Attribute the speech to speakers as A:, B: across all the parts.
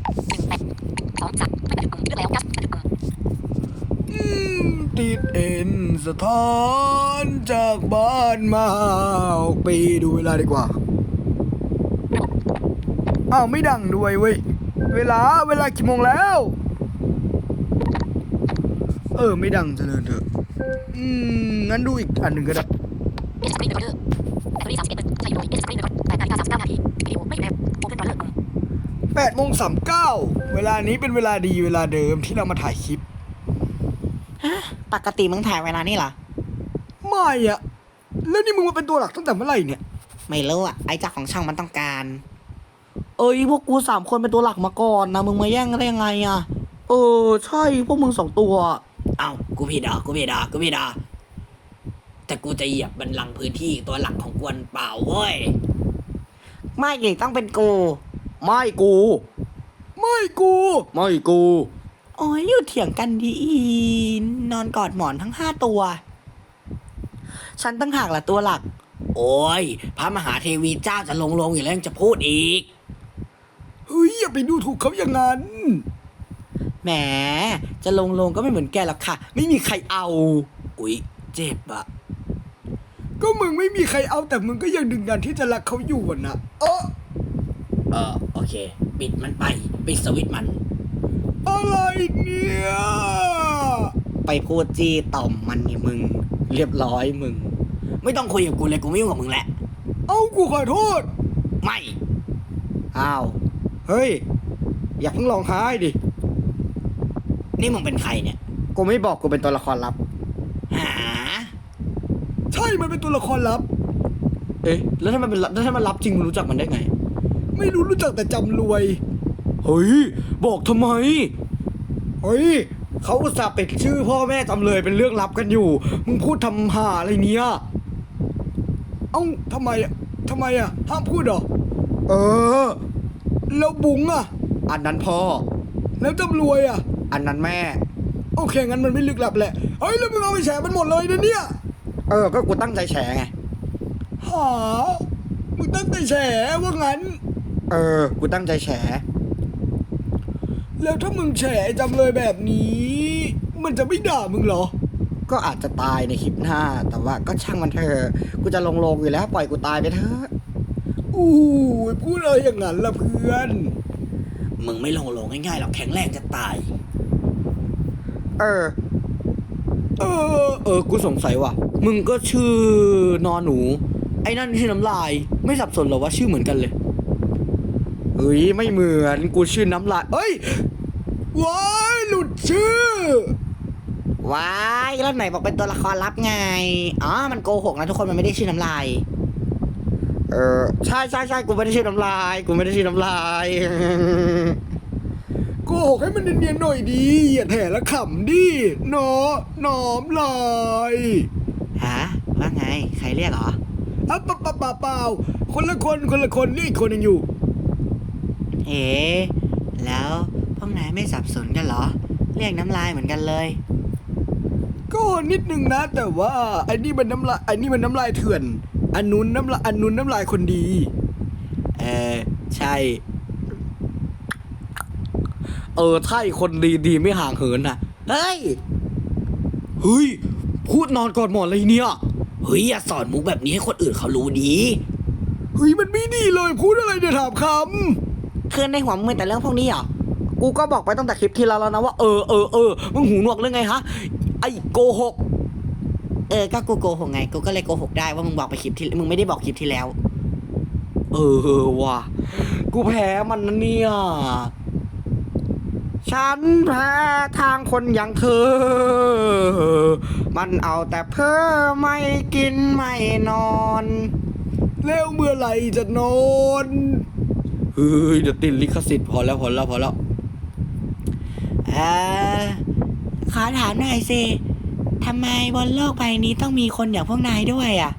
A: ติดเอ็นสถานจากบ้านมา6 ปีดูเวลาดีกว่าอ้าวไม่ดังด้วยเว้ยเวลากี่โมงแล้วไม่ดังเจริญเถอะงั้นดูอีกอันหนึ่งก็ได้8:39เวลานี้เป็นเวลาดีเวลาเดิมที่เรามาถ่ายคลิป
B: ปกติมึงถ่ายเวลานี่เหรอ
A: ไม่อะแล้วนี่มึงมาเป็นตัวหลักตั้งแต่เมื่อไหร่เนี่ย
B: ไม่รู้อ่ะไอ้เจ้าของช่องมันต้องการพวกกู3 คนเป็นตัวหลักมาก่อนนะมึงมาแย่งได้ยังไงอ่ะใช่พวกมึง2 ตัว
C: กูผิดอ่ะแต่กูจะเหยียบบัลลังก์พื้นที่ตัวหลักของกวนเปล่าเว้ย
B: ไม่เลยต้องเป็นกู
A: ไม่กู
B: โอ้ยอยู่เถียงกันดีนอนกอดหมอนทั้ง5 ตัวฉันตั้งหากละตัวหลัก
C: โอ้ยพระมหาเทวีเจ้าจะลงอยู่แล้วยังจะพูดอีก
A: เฮ้ยอย่าไปดูถูกเขาอย่างนั้น
B: แหมจะลงก็ไม่เหมือนแกหรอกค่ะไม่มีใครเอา
C: อุ๊ยเจ็บอะ
A: ก็มึงไม่มีใครเอาแต่มึงก็ยังดึงดันที่จะรักเขาอยู่นะ
C: โอเคปิดมันไปปิดสวิตช์มัน
A: อะไรเนี่ย
B: ไปพูดจี้ต่อมมันนี่มึงเรียบร้อยมึง
C: ไม่ต้องคุยกับกูเลยกูไม่ยุ่งกับมึงแหละ
A: กูขอโทษ
C: ไม่
A: เฮ้ยอย่าเพิ่งร้องไห้ดิ
C: นี่มึงเป็นใครเนี่ย
B: กูไม่บอกกูเป็นตัวละครลับ
C: หา
A: ใช่มันเป็นตัวละครลับ
B: แล้วถ้ามันลับจริงมึงรู้จักมันได้ไง
A: ไม่รู้จักแต่จำรวย
B: เฮ้ยบอกทำไมเฮ้ยเขาอุตส่าห์ปิดชื่อพ่อแม่จำเลยเป็นเรื่องลับกันอยู่มึงพูดทำห่าอะไรเนี้ย
A: ทำไมห้ามพูดเหรอแล้วบุ๋งอ่ะ
B: อันนั้นพ่อ
A: แล้วจำรวยอ่ะ
B: อันนั้นแม่
A: โอเคงั้นมันไม่ลึกลับแหละแล้วมึงเอาไปแฉมันหมดเลยนะเนี่ย
B: ก็กูตั้งใจแฉไง
A: มึงตั้งใจแฉว่างั้น
B: กูตั้งใจแฉ
A: แล้วถ้ามึงแฉจำเลยแบบนี้มันจะไม่ด่ามึงเหรอ
B: ก็อาจจะตายในคลิปหน้าแต่ว่าก็ช่างมันเถอะกูจะลงอยู่แล้วปล่อยกูตายไปเถอะ
A: พูดอะไรอย่างนั้นล่ะเพื่อน
C: มึงไม่ลงง่ายๆหรอกแข็งแรงจะตาย
B: กูสงสัยว่ะมึงก็ชื่อนอนหนูไอ้นั่นชื่อน้ำลายไม่สับสนหรอว่าชื่อเหมือนกันเลยไม่เหมือนกูชื่อน้ำลาย
A: ว้ายหลุดชื่อ
B: ว้ายแล้วไหนบอกเป็นตัวละครลับไงมันโกหกนะทุกคนมันไม่ได้ชื่อน้ำลายใช่กูไม่ได้ชื่อน้ำลาย
A: โกหกให้มันเนียนๆหน่อยดีอย่าแถละขำดิหน้อมลาย
B: ว่าไงใครเรียกเหรอ
A: เปล่าคนละคนนี่อีกคนยังอยู่
B: แล้วพวกนายไม่สับสนกันเหรอเรียกน้ำลายเหมือนกันเลย
A: ก็นิดนึงนะแต่ว่าไอ้นี่มันน้ำลายเถื่อนอันนู้นน้ำลายคนดี
B: ใช่ใช่คนดีไม่ห่างเหินนะเฮ้ยพูดนอนกอดหมอนอะไรเนี่ย
C: อย่าสอนมุกแบบนี้ให้คนอื่นเขารู้ดี
A: มันไม่ดีเลยพูดอะไรเนี่ยถามค
B: ำเพื่อนในหัวมึงแต่เรื่องพวกนี้เหรอกูก็บอกไปตั้งแต่คลิปที่แล้วนะว่ามึงหูหนวกเรื่องไงฮะไอ้โกหกก็กูโกหกไงกูก็เลยโกหกได้ว่ามึงบอกไปคลิปที่มึงไม่ได้บอกคลิปที่แล้วว่ะกูแพ้มันนะเนี่ยฉันแพ้ทางคนอย่างเธอมันเอาแต่เพ้อไม่กินไม่นอน
A: แล้วเมื่อไหร่จะนอน
B: เดี๋ยวติดลิขสิทธิ์พอแล้วขอถามหน่อยสิทำไมบนโลกใบนี้ต้องมีคนอย่างพวกนายด้วยอ่ะ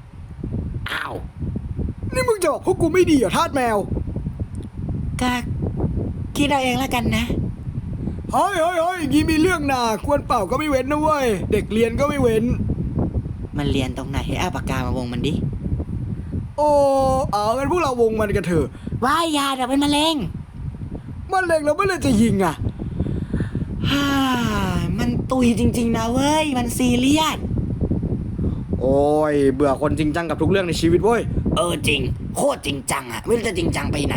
A: นี่มึงจะบอกพวกกูไม่ดีเหรอทาสแมว
B: ก็คิดเอาเองแล้วกันนะ
A: เฮ้ยยี่มีเรื่องน่ะควรเป่าก็ไม่เว้นนะเว้ยเด็กเรียนก็ไม่เว้น
B: มันเรียนตรงไหนให้เอาปากกามาวงมันดิ
A: งั้นพวกเราวงมันกันเถอะ
B: ว่ายาเดี๋ยวเป็นมะเร็ง
A: มันเล็งแล้วเมื่อไหรจะยิงอ่ะ
B: ฮ่ามันตุยจริงๆนะเว้ย มันซีเรียส
A: โอ้ยเบื่อคนจริงจังกับทุกเรื่องในชีวิตเว้ย
C: จริงโคตรจริงจังอะไม่รู้จะจริงจังไปไหน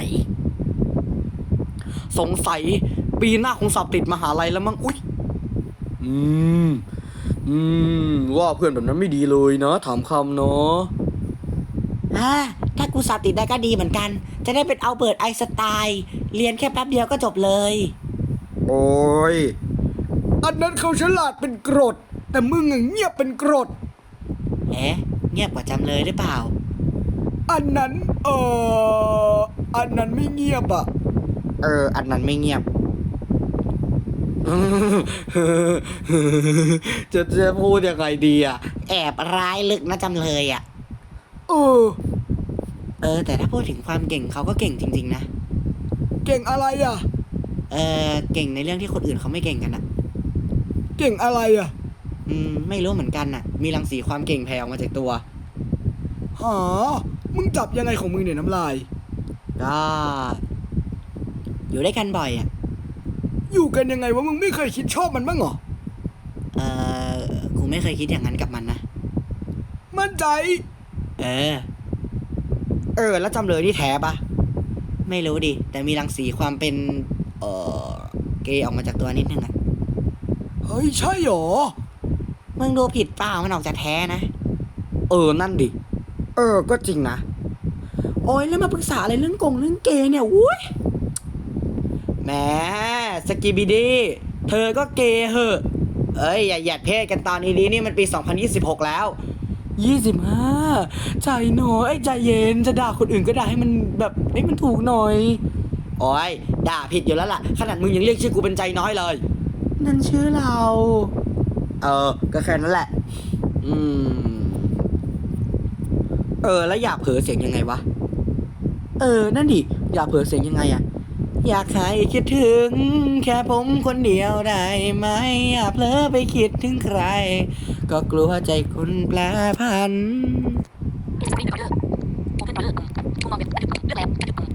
B: สงสัยปีหน้าคงสอบติดมหาลัยแล้วมั้ง อุ๊ย
A: อืม ว่าเพื่อนแบบนั้นไม่ดีเลยนะถามคำเนาะ
B: ถ้ากูสอบติดได้ก็ดีเหมือนกัน จะได้เป็นอัลเบิร์ตไอน์สไตน์เรียนแค่แป๊บเดียวก็จบเลย
A: โอ้ย อันนั้นเขาฉลาดเป็นกรด แต่มึงอะเงียบเป็นกรด
B: เงียบกว่าจำเลยหรือเปล่า
A: อันนั้นอันนั้นไม่เงียบอ่ะ
B: อันนั้นไม่เงียบ
A: จะพูดยังไงดีอ่ะ
B: แอบร้ายลึกนะจำเลยอ่ะ แต่ถ้าพูดถึงความเก่งเขาก็เก่งจริงๆนะ
A: เก่งอะไรอ่ะ
B: เก่งในเรื่องที่คนอื่นเขาไม่เก่งกันอ่ะ
A: เก่งอะไรอ่ะ
B: ไม่รู้เหมือนกันน่ะ มีรังสีความเก่งแผ่ออกมาจากตัว
A: หามึงจับยังไงของมึงเนี่ยน้ำลาย
B: ก็อยู่ด้วยกันบ่อยอ่ะ
A: อยู่กันยังไงวะมึงไม่เคยคิดชอบมันบ้างเหรอ
B: กูไม่เคยคิดอย่างนั้นกับมันนะ
A: มั่นใจ
B: แล้วจำเลยนี่แท้ปะไม่รู้ดิ แต่มีรังสีความเป็น เกย์ออกมาจากตัวนิดนึงอะ
A: เฮ้ยใช่หรอ
B: มึงดูผิดเปล่ามันออกจะแท้นะ
A: นั่นดิ ก็จริงนะ
B: โอ้ยแล้วมาปรึกษาอะไรเรื่องเรื่องเกย์เนี่ยวุ้ยแหมสกิบิดี้เธอก็เกย์เหอะอย่าหยัดเพศกันตอนนี้นี่มันปี 2026 แล้ว 25ใจน้อยใจเย็นจะด่าคนอื่นก็ด่าให้มันแบบให้มันถูกหน่อย โอ้ยด่าผิดอยู่แล้วล่ะ ขนาดมึงยังเรียกชื่อกูเป็นใจน้อยเลย นั่นชื่อเรา
A: ก็แค่นั้นแหละ
B: แล้วอยากเผลอเสียงยังไงวะ นั่นดิ อยากเผลอเสียงยังไงอะอยากให้คิดถึง แค่ผมคนเดียวได้ไหมอย่าเผลอไปคิดถึงใคร ก็กลัวใจคุณแปรผัน